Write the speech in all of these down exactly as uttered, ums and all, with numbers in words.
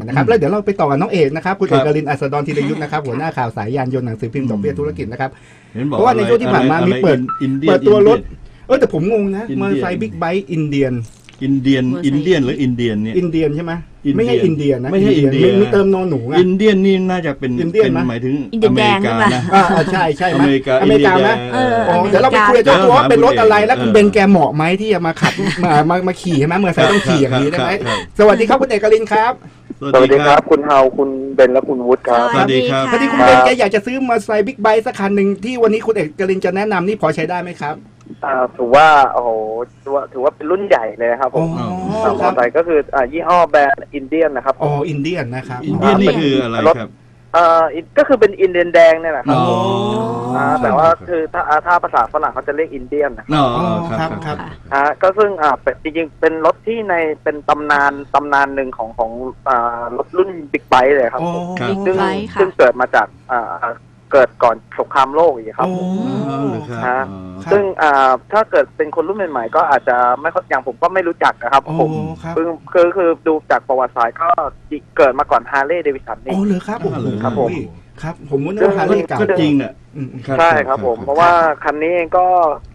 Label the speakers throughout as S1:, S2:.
S1: นะครับแล้วเดี๋ยวเราไปต่อกับน้องเอกนะครับคุณเอกลินอัสดรธีรยุทธนะครับหัวหน้าข่าวสายยานยนต์หนังสือพิมพ์ดอกเบี้ยธุรกิจนะครับเพราะว่าในช่วงที่ผ่านมามีเปิดเปิดตัวรถเออแต่ผมงงนะมอเตอร์ไซค์บิ๊กไบค์อินเดียน
S2: อินเดียนอินเดียนหรืออินเดียนเนี่ย
S1: อินเดียนใช่ไหมไม่ใช่อินเดียนะ
S2: ไม่ใช่อินเดีย
S1: มีเติมนอนหนูไง
S2: อินเดียนนี่น่าจะเป็นเป็นหมายถึงอเมริกานะ
S1: อ่าใช่ใช่ไหมอเมริกาอเมริกานะ
S3: อ๋อ
S1: เดี๋ยวเราไปคุยกับเจ้าตัวว่าเป็นรถอะไรแล้วคุณเบนแกเหมาะไหมที่จะมาขับมามามาขี่ใช่ไหมมอเตอร์ไซค์ต้องขี่อย่างนี้ได้ไหมสวัสดีครับคุณเอกลินครับ
S4: สวัสดีครับคุณเฮาคุณเบนและคุณวุฒิครับ
S2: สวัสดีครับ
S1: พอดีคุณเบนแกอยากจะซื้อมอเตอร์ไซค์บิ๊กไบค์สักคันหนึ่งที่วันนี้คุณเอกลินจะแนะนำนี่พอใช้ได้ไหมครับ
S4: อ่าถือว่าโอ้โหถือว่าถือว่าเป็นรุ่นใหญ่เลยครับผมมอเตอร์ไซค์ก็คืออ่ายี่ห้อแบรนด์อินเดียนนะครับ
S1: อ๋ออินเดียนนะครับ
S2: อินเดียนนี่คืออะไรครับ
S4: อ่าก็คือเป็นอินเดียนแดงเนี่ยแหละครับอ่าแต่ว่าคือถ้าถ้าภาษาฝรั่งเขาจะเรียกอินเดียนนะ
S2: อ๋อครับครับ
S4: อ่าก็ซึ่งอ่าจริงๆเป็นรถที่ในเป็นตำนานตำนานหนึ่งของของอ่ารถรุ่นบิ๊กไบค์เลยครับซึ่งซึ่งเกิดมาจากอ่าเกิดก่อนสงครามโลกอีกครับฮะซึ่งถ้าเกิดเป็นคนรุ่นใหม่ๆก็อาจจะไม่อย่างผมก็ไม่รู้จักนะครับผมคือคือคือดูจากประวัติศาสตร์ก็เกิดมาก่อนฮาร์เลย์เดวิสันนี่
S1: โอ้เลยครับ
S4: ครับผม
S1: ครับผมว่าฮาร์เลย์เก่า
S2: จริงเนี่ย
S4: ใช่ครับผมเพราะว่าคันนี้เองก็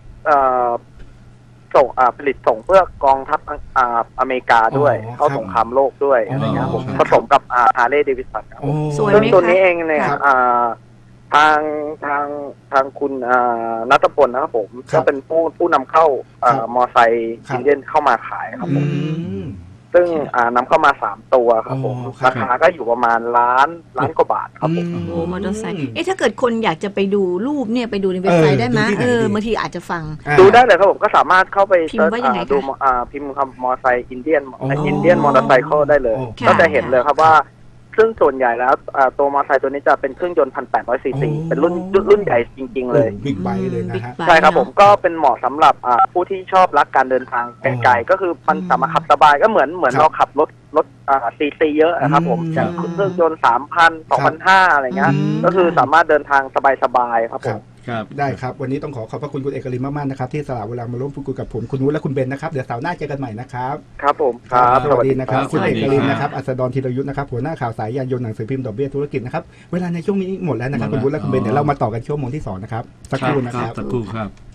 S4: ส่งผลิตส่งเพื่อกองทัพอเมริกาด้วยเข้าสงครามโลกด้วยอะไรเงี้ยผมผสมกับฮาร์เลย์เดวิสันครับซึ่งตัวนี้เองเนี่ยทางทางทางคุณณัฐพลนะครับผมก็เป็นผู้ผู้นำเข้ามอไซค์อินเดียนเข้ามาขายครับผมซึ่งนำเข้ามาสามตัวครับผมราคาก็อยู่ประมาณล้านล้านกว่าบาทครับผม
S3: โอ้มอเตอร์ไซค์เอ๊ะถ้าเกิดคนอยากจะไปดูรูปเนี่ยไปดูในเว็บไซต์ได้ไหมเออบางทีอาจจะฟัง
S4: ดูได้เลยครับผมก็สามารถเข้าไป
S3: พิมพ์ว่ายังไง
S4: ดูพิมพ์คำมอไซค์อินเดียนอินเดียนมอเตอร์ไซค์ได้เลยก็จะเห็นเลยครับว่าซึ่งส่วนใหญ่แล้วตัวมอเตอร์ไซค์ตัวนี้จะเป็นเครื่องยนต์พันแปดร้อยซีซีเป็นรุ่นรุ่นใหญ่จริงๆเลย
S1: บิ๊กไบค์เลยนะฮะ
S4: ใช่ครับผมก็เป็นเหมาะสำหรับผู้ที่ชอบรักการเดินทางไกลๆก็คือมันสามารถขับสบายก็เหมือนเหมือนเราขับรถรถซีซีเยอะนะครับผมอย่างเครื่องยนต์สามพันสองพันห้าอะไรเงี้ยก็คือสามารถเดินทางสบายๆครับผม
S1: ได้ครับวันนี้ต้องขอขอบพระคุณคุณเอกลินมากๆนะครับที่สละเวลามาร่วมพูดคุยกับผมคุณวุฒิและคุณเบนนะครับเดี๋ยวเสาร์หน้าเจอกันใหม่นะครับ
S4: ครับผมครับ
S1: สวัสดีนะครับคุณเอกลินนะครับอัสดรธีรยุทธนะครับหัวหน้าข่าวสายยานยนต์หนังสือพิมพ์ดอกเบี้ยธุรกิจนะครับเวลาในช่วงนี้หมดแล้วนะครับคุณวุฒิและคุณเบนเดี๋ยวเรามาต่อกันช่วงโมงที่สองนะครับสักครู่นะครับ
S2: สักครู่ครับ